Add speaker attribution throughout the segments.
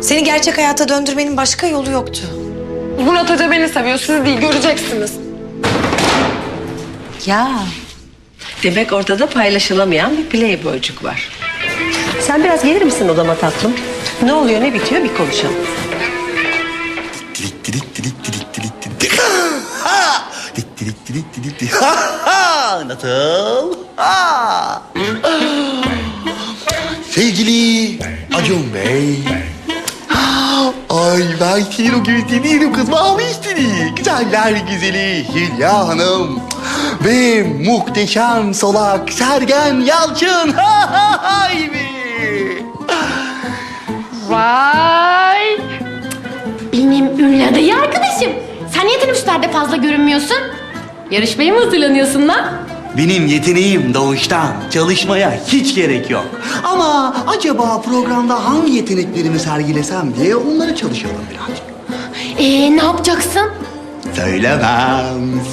Speaker 1: Seni gerçek hayata döndürmenin başka yolu yoktu.
Speaker 2: Murat Hoca beni seviyor, siz değil, göreceksiniz.
Speaker 3: Ya, demek ortada paylaşılamayan bir playboycuk var. Sen biraz gelir misin odama tatlım? Ne oluyor, ne bitiyor bir konuşalım.
Speaker 4: Dilik dilik dilik dilik dilik dilik. Ha! Dilik dilik dilik dilik dilik. Ha ha! Nasıl? Ha! Sevgili Acun Bey. Ay ben senin o gözlerini yerim kız. Mavi istedi. Güzeller güzeli Hülya Hanım. Ve muhteşem solak Sergen Yalçın. Ha ha hay be.
Speaker 5: Vay! Benim ünlü adayı arkadaşım. Sen niye teneffüslerde fazla görünmüyorsun? Yarışmaya mı hazırlanıyorsun lan?
Speaker 4: Benim yeteneğim doğuştan. Çalışmaya hiç gerek yok. Ama acaba programda hangi yeteneklerimi sergilesem diye onları çalışalım birazcık.
Speaker 5: Ne yapacaksın?
Speaker 4: Söylemem.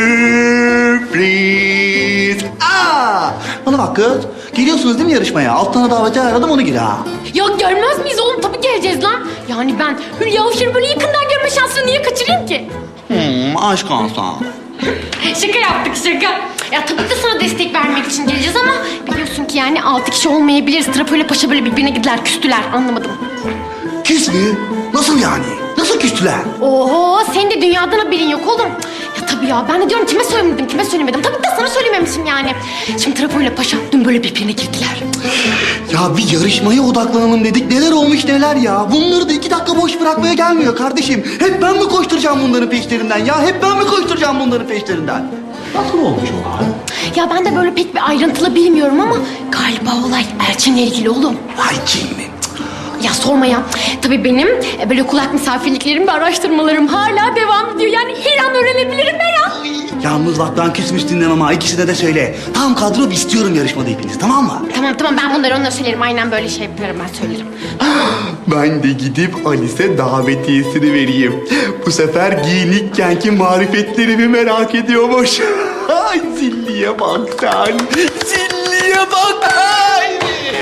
Speaker 4: Sürpriz. Aa! Bana bak kız. Geliyorsunuz değil mi yarışmaya? Altına daveti aradım onu gir ha.
Speaker 5: Ya görmez miyiz oğlum? Tabii geleceğiz lan. Yani ben Hülya Avşar'ı böyle yakından görme şansını niye kaçırayım ki?
Speaker 4: Aşk olsun.
Speaker 5: Şaka yaptık şaka. Ya tabii de sana destek vermek için geleceğiz ama biliyorsun ki yani 6 kişi olmayabiliriz. Trapo ile Paşa böyle birbirine gittiler, küstüler. Anlamadım.
Speaker 4: Küs mü? Nasıl yani? Nasıl küstüler?
Speaker 5: Oho, senin de dünyadan haberin yok oğlum. Ya tabii ya, ben de diyorum kime söylemedim, kime söylemedim. Tabii de sana söylememişim yani. Şimdi Trapo ile Paşa dün böyle birbirine girdiler.
Speaker 4: Ya bir yarışmaya odaklanalım dedik. Neler olmuş neler ya. Bunları da 2 dakika boş bırakmaya gelmiyor kardeşim. Hep ben mi koşturacağım bunların peşlerinden ya? Hep ben mi koşturacağım bunların peşlerinden? Nasıl olmuş o hal?
Speaker 5: Ya ben de böyle pek bir ayrıntılı bilmiyorum ama galiba olay Elçin'le ilgili oğlum.
Speaker 4: Vay cinni.
Speaker 5: Ya sorma ya. Tabii benim böyle kulak misafirliklerim ve araştırmalarım hala devam ediyor. Yani her an öğrenebilirim her an.
Speaker 4: Yalnız bak ben küsmüş dinlemem ha. İkisine de söyle. Tam kadro istiyorum yarışmada hepiniz, tamam mı?
Speaker 5: Tamam ben bunları onlara söylerim. Aynen böyle şey yaparım, ben söylerim.
Speaker 4: Ben de gidip Alice'e davetiyesini vereyim. Bu sefer giyinikkenki marifetlerimi merak ediyormuş. Ay zilliye bak sen. Zilliye bak. Ay.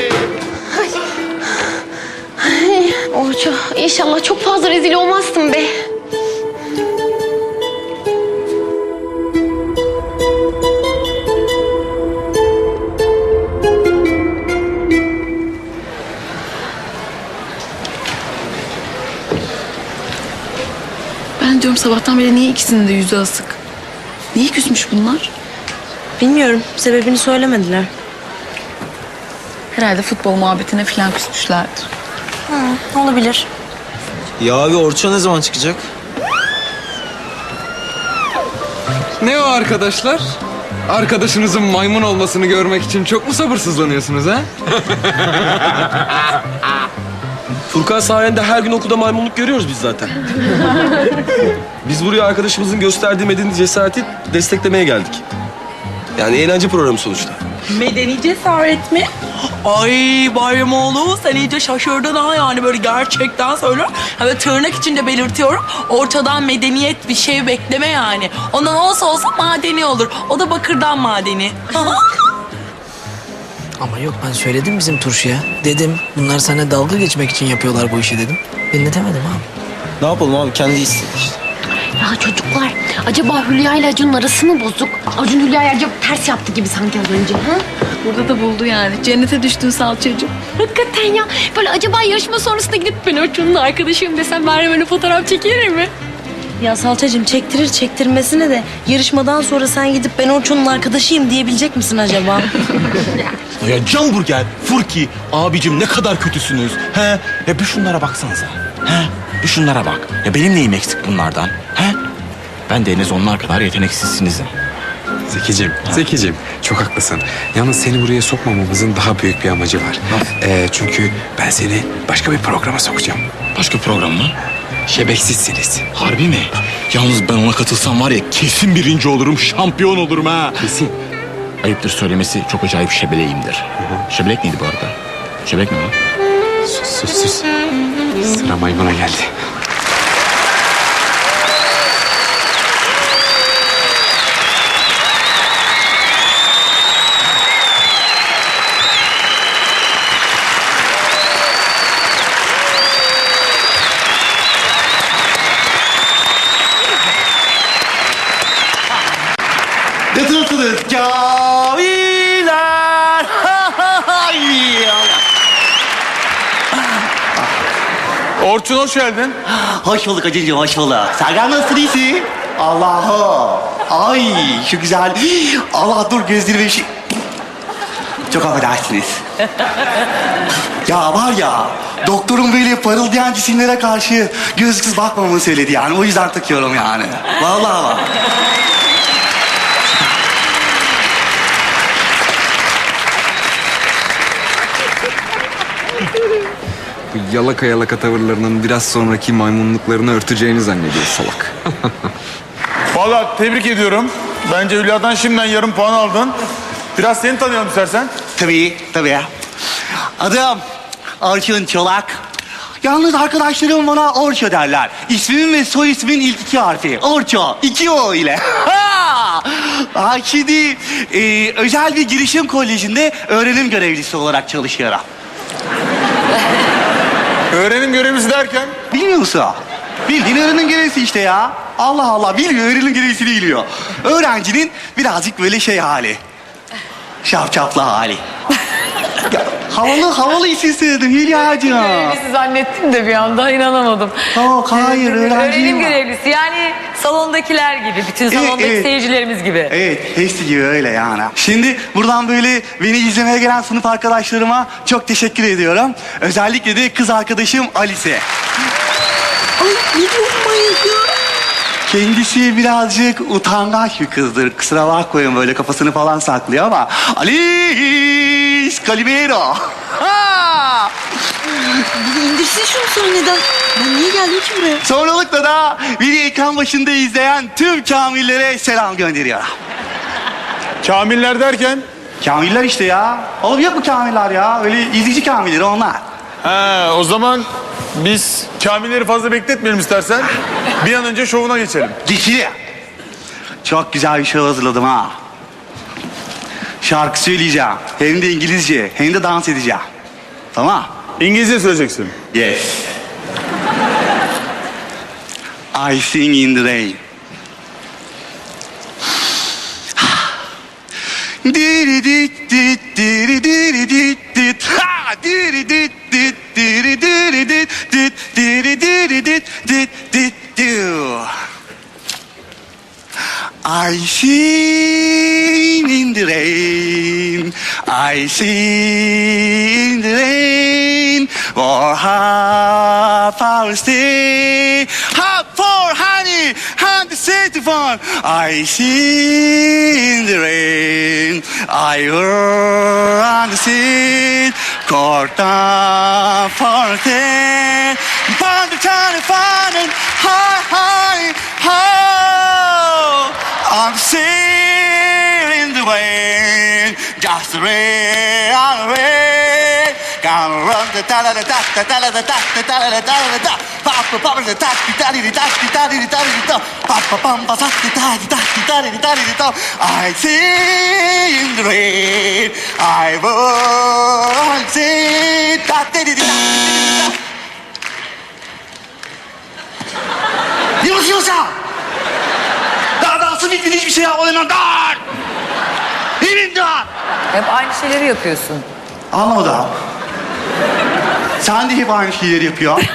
Speaker 5: Orço, inşallah çok fazla rezil olmazsın be.
Speaker 2: Ben diyorum sabahtan beri niye ikisinin de yüzü asık? Niye küsmüş bunlar?
Speaker 6: Bilmiyorum. Sebebini söylemediler.
Speaker 2: Herhalde futbol muhabbetine falan küsmüşlerdir.
Speaker 6: Olabilir.
Speaker 7: Ya abi Orço ne zaman çıkacak?
Speaker 8: Ne o arkadaşlar? Arkadaşınızın maymun olmasını görmek için çok mu sabırsızlanıyorsunuz ha?
Speaker 7: Furkan sayende her gün okulda maymunluk görüyoruz biz zaten. Biz buraya arkadaşımızın gösterdiği medeni cesareti desteklemeye geldik. Yani eğlence programı sonuçta.
Speaker 6: Medeni cesaret mi? Ay Bayramoğlu, sen iyice şaşırdın ha, yani böyle gerçekten söylüyorum. Ha, böyle tırnak içinde belirtiyorum. Ortadan medeniyet bir şey bekleme yani. Ondan olsa madeni olur. O da bakırdan madeni.
Speaker 9: Ama yok, ben söyledim bizim turşuya. Dedim bunlar seninle dalga geçmek için yapıyorlar bu işi dedim. Dinletemedim abi.
Speaker 7: Ne yapalım abi kendi istedi işte.
Speaker 5: Ya çocuklar, acaba Hülya ile Acun'un arası mı bozuk? Acun Hülya'ya acaba ters yaptı gibi sanki az önce. Ha?
Speaker 2: Burada da buldu yani. Cennete düştün salçacığım.
Speaker 5: Hakikaten ya. Böyle acaba yarışma sonrasında gidip ben Orçun'un arkadaşıyım desem bari böyle fotoğraf çekilir mi?
Speaker 6: Ya Salçacığım, çektirir çektirmesine de yarışmadan sonra sen gidip ben Orçun'un arkadaşıyım diyebilecek misin acaba?
Speaker 10: Ya Canburger, Furki, abicim ne kadar kötüsünüz. He? Ya bir şunlara baksanıza. He? Bir şunlara bak. Ya benim neyim eksik bunlardan? He? Ben de en az onlar kadar yeteneksizsinizim.
Speaker 8: Zekicim çok haklısın. Yalnız seni buraya sokmamamızın daha büyük bir amacı var. Çünkü ben seni başka bir programa sokacağım.
Speaker 10: Başka program mı?
Speaker 8: Şebeksizsiniz.
Speaker 10: Harbi mi? Yalnız ben ona katılsam var ya kesin birinci olurum, şampiyon olurum ha.
Speaker 8: Kesin.
Speaker 10: Ayıptır söylemesi çok acayip şebeleğimdir. Şebelek neydi bu arada? Şebelek mi lan?
Speaker 8: Sus. Sıra maymuna geldi.
Speaker 4: camiler.
Speaker 10: Orçun hoş geldin.
Speaker 4: Hoş bulduk hacıcığım, hoş bulduk. Sergen nasılsın, iyisin? Allah'ım. Ay şu güzel. Allah dur gözlerime bir şey... Çok affedersiniz. Ya var ya, doktorun böyle parıldayan cisimlere karşı gözsüz bakmamamı söyledi yani. O yüzden takıyorum yani. Vallahi bak.
Speaker 8: Bu yalaka yalaka tavırlarının biraz sonraki maymunluklarını örteceğini zannediyor salak.
Speaker 10: Vallahi tebrik ediyorum. Bence Hülya'dan şimdiden yarım puan aldın. Biraz seni tanıyalım istersen.
Speaker 4: Tabii, tabii. Adım Orçun Çolak. Yalnız arkadaşlarım bana Orço derler. İsmimin ve soy ismin ilk iki harfi. Orço, 2 O ile. Şimdi özel bir girişim kolejinde öğrenim görevlisi olarak çalışıyorum.
Speaker 10: Öğrenim görevlisi derken?
Speaker 4: Bilmiyor musun? Bildiğin öğrenim görevlisi işte ya. Allah Allah, bilmiyor, öğrenim görevlisini biliyor. Öğrencinin birazcık böyle şey hali. Şapşaplı hali. Ya, havalı isim söyledim Hülya'cığım.
Speaker 11: Görevlisi zannettim de bir anda inanamadım.
Speaker 4: Yok, hayır, öğrenciyim.
Speaker 11: Öğrenim görevlisi yani salondakiler gibi, bütün salondaki
Speaker 4: evet.
Speaker 11: seyircilerimiz gibi.
Speaker 4: Evet, hepsi gibi öyle yani. Şimdi buradan böyle beni izlemeye gelen sınıf arkadaşlarıma çok teşekkür ediyorum. Özellikle de kız arkadaşım Alice. Ay, ne diyorsun manyak ya? Kendisi birazcık utangaç bir kızdır. Kusura bakmayın, böyle kafasını falan saklıyor ama... Alice Calimero. Ha!
Speaker 1: İndirsin şunu sahneden. Ben niye geldim ki buraya?
Speaker 4: Sonralıkla da beni ekran başında izleyen tüm kamillere selam gönderiyorum.
Speaker 10: Kamiller derken?
Speaker 4: Kamiller işte ya. Oğlum yok mu kamiller ya? Öyle izleyici kamilleri onlar.
Speaker 10: He, o zaman biz kamilleri fazla bekletmeyelim istersen. Bir an önce şovuna geçelim.
Speaker 4: Geçili. Çok güzel bir şey hazırladım ha. Şarkı söyleyeceğim. Hem de İngilizce, hem de dans edeceğim. Tamam.
Speaker 10: İngilizce söyleyeceksin.
Speaker 4: Yes. I sing in the rain. Diri dit dit diri diri dit dit ha diri dit dit diri diri dit dit diri diri dit dit dit do. I sing in the rain, I sing in the rain, for half hour stay, half for honey, and the city fun. I sing in the rain, I run the sea, court down for the found the tiny fun and high, high, high. I'm sailing the way, just the rain on the way. Gonna run the da da da da da da da da da da da da da. Papa papa the da da da da da da da da. Papa papa da da da da da da da. I see in the rain, I will see da da da da. Yunus Daha dansın bitmedi, hiçbir şey yapmadım lan. Dur! Emin dur!
Speaker 11: Hep aynı şeyleri yapıyorsun.
Speaker 4: Anlamadım. Sen de hep aynı şeyleri yapıyorsun.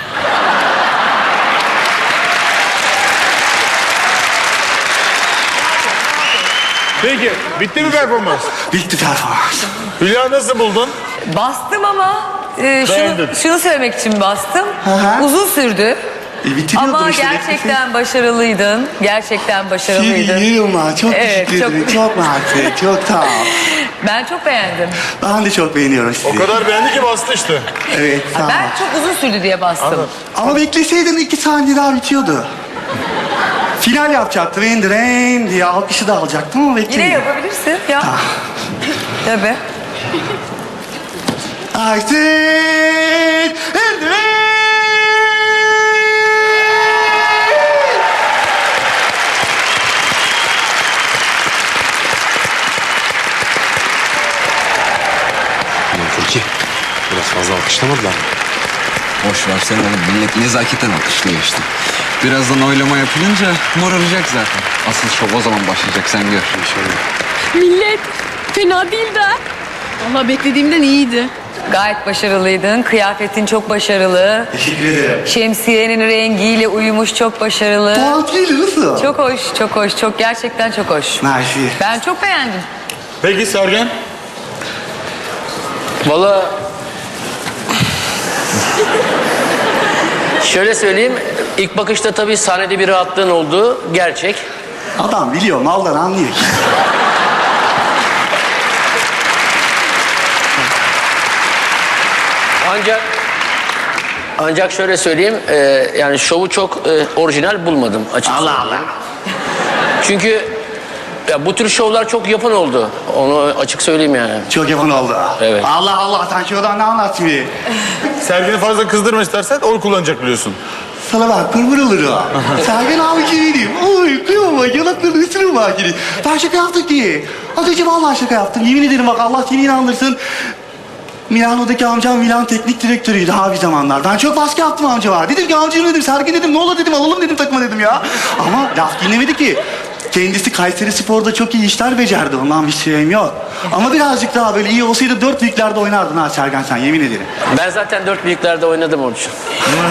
Speaker 10: Peki, bitti mi performans?
Speaker 4: Bitti performans.
Speaker 10: Hülya nasıl buldun?
Speaker 11: Bastım ama
Speaker 10: Beğendin.
Speaker 11: şunu söylemek için bastım.
Speaker 4: hı.
Speaker 11: Uzun sürdü.
Speaker 4: Bitiriyordur
Speaker 11: Ama
Speaker 4: işte.
Speaker 11: gerçekten başarılıydın. Gerçekten başarılıydın.
Speaker 4: Yerim ha. Çok
Speaker 11: Evet,
Speaker 4: teşekkür ederim. Çok mersi. Çok sağ ol.
Speaker 11: Ben çok beğendim.
Speaker 4: Ben de çok beğeniyorum sizi.
Speaker 10: O kadar beğendi ki bastı işte.
Speaker 4: Evet, sağ ol.
Speaker 11: Ben çok uzun sürdü diye bastım.
Speaker 4: Ama bekleseydin 2 saniye daha bitiyordu. Final yapacaktım. In the rain diye alkışı da alacaktım ama beklemedim.
Speaker 11: Yine yapabilirsin ya. Tabii.
Speaker 4: I said in the rain.
Speaker 8: Ulan Furki, biraz fazla alkışlamadılar mı?
Speaker 12: Boş versene oğlum. Millet nezaketen alkışlıyor işte. Birazdan oylama yapılınca moraracak zaten.
Speaker 8: Asıl şov o zaman başlayacak, sen gör.
Speaker 5: Millet fena değil de.
Speaker 2: Vallahi beklediğimden iyiydi.
Speaker 11: Gayet başarılıydın. Kıyafetin çok başarılı.
Speaker 4: Teşekkür ederim.
Speaker 11: Şemsiyenin rengiyle uyumuş, çok başarılı.
Speaker 4: Tatil nasıl?
Speaker 11: Çok hoş, çok hoş. Çok gerçekten çok hoş.
Speaker 4: Mersi.
Speaker 11: Ben çok beğendim.
Speaker 10: Peki Sergen?
Speaker 12: Vallahi şöyle söyleyeyim, ilk bakışta tabii sahnede bir rahatlığın olduğu gerçek.
Speaker 4: Adam biliyor, maldan anlıyor.
Speaker 12: Ancak şöyle söyleyeyim, yani şovu çok orijinal bulmadım açıkçası.
Speaker 4: Allah Allah.
Speaker 12: Çünkü ya bu tür şovlar çok yapan oldu. Onu açık söyleyeyim yani.
Speaker 4: Çok yapan oldu.
Speaker 12: Evet.
Speaker 4: Allah Allah, sen şuradan ne anlattın bir?
Speaker 10: Sergen'i fazla kızdırma istersen oy kullanacak biliyorsun.
Speaker 4: Sana bak, pırpır olur o. Sergen abi gibiydim. Oy, kıyama, yanaklarını ısırır bak gibi. Ben şaka yaptık diye. Az önce vallahi şaka yaptım. Yemin ederim bak, Allah seni inandırsın. Milano'daki amcam Milan teknik direktörüydü ha bir zamanlar. Ben çok baskı yaptım amcama. Dedim ki amcam dedim, Sergen dedim, ne olur dedim, alalım dedim takıma dedim ya. Ama laf dinlemedi ki. Kendisi Kayseri Spor'da çok iyi işler becerdi. Ondan bir şeyim yok. Ama birazcık daha böyle iyi olsaydı 4 büyüklerde oynardın ha Sergen sen, yemin ederim.
Speaker 12: Ben zaten 4 büyüklerde oynadım onun için.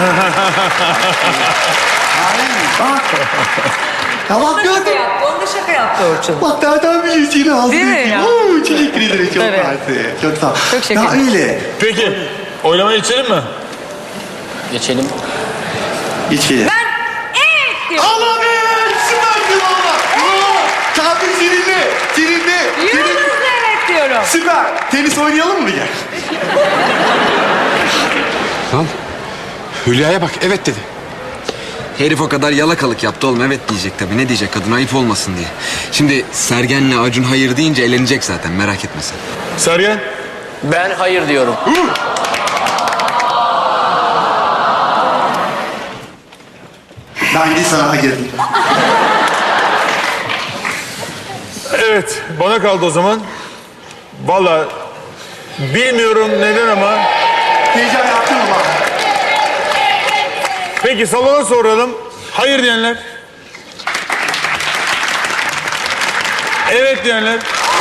Speaker 4: Bak. Ya bak gördün.
Speaker 11: Onu da şaka yaptı Orçun.
Speaker 4: Bak nereden biliyorsun yine ağzını
Speaker 11: Değil mi
Speaker 4: yiyeyim.
Speaker 11: ya?
Speaker 4: Oo, teşekkür ederim çok
Speaker 11: Evet.
Speaker 4: mersi. Çok sağ ol.
Speaker 11: Çok şeker.
Speaker 4: Ya öyle.
Speaker 10: Peki, oylamaya geçelim mi?
Speaker 12: Geçelim.
Speaker 4: İçeri.
Speaker 11: Evet diyor.
Speaker 4: Allah be! Süpersin valla. Tatil seninle. Seninle.
Speaker 11: Yıldızlı evet diyorum.
Speaker 4: Süper. Tenis oynayalım mı gel?
Speaker 8: Lan Hülya'ya bak, evet dedi.
Speaker 13: Herif o kadar yalakalık yaptı oğlum, evet diyecek tabii. Ne diyecek, kadın ayıp olmasın diye. Şimdi Sergen'le Acun hayır deyince eğlenecek zaten, merak etme sen.
Speaker 10: Sergen?
Speaker 12: Ben hayır diyorum.
Speaker 4: Ben de sana girdim.
Speaker 10: Evet, bana kaldı o zaman. Vallahi bilmiyorum neden ama.
Speaker 4: Heyecan yaptın mı bak?
Speaker 10: Peki salona soralım. Hayır diyenler. Evet diyenler.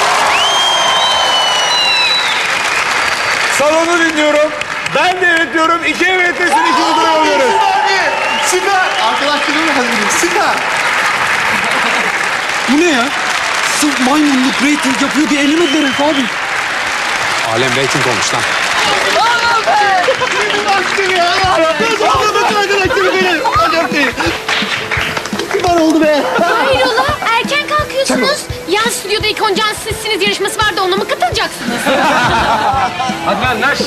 Speaker 10: Salonu dinliyorum. Ben de evet diyorum. 2 evet desin, 2 buraya alıyoruz.
Speaker 4: Süper. Arkadaşlarımla hazırım. Süper. Bu ne ya? Sırf maymunluk rating yapıyor diye elemediler herif abi.
Speaker 8: Alem reyting olmuş lan.
Speaker 4: Baktım ya. Anladım arkadaşlarım benim. Acayip değil. Süper oldu be.
Speaker 5: Hayrola erken kalkıyorsunuz. Yan stüdyoda ilk oncan sizsiniz yarışması vardı, ona mı katılacaksınız?
Speaker 7: Hadi lan Naş.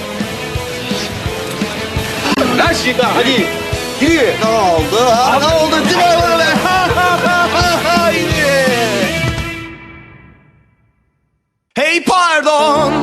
Speaker 7: Naş yıka hadi. Yürü.
Speaker 4: Ne oldu? Ne oldu? Değil mi bana be?
Speaker 14: Hey pardon,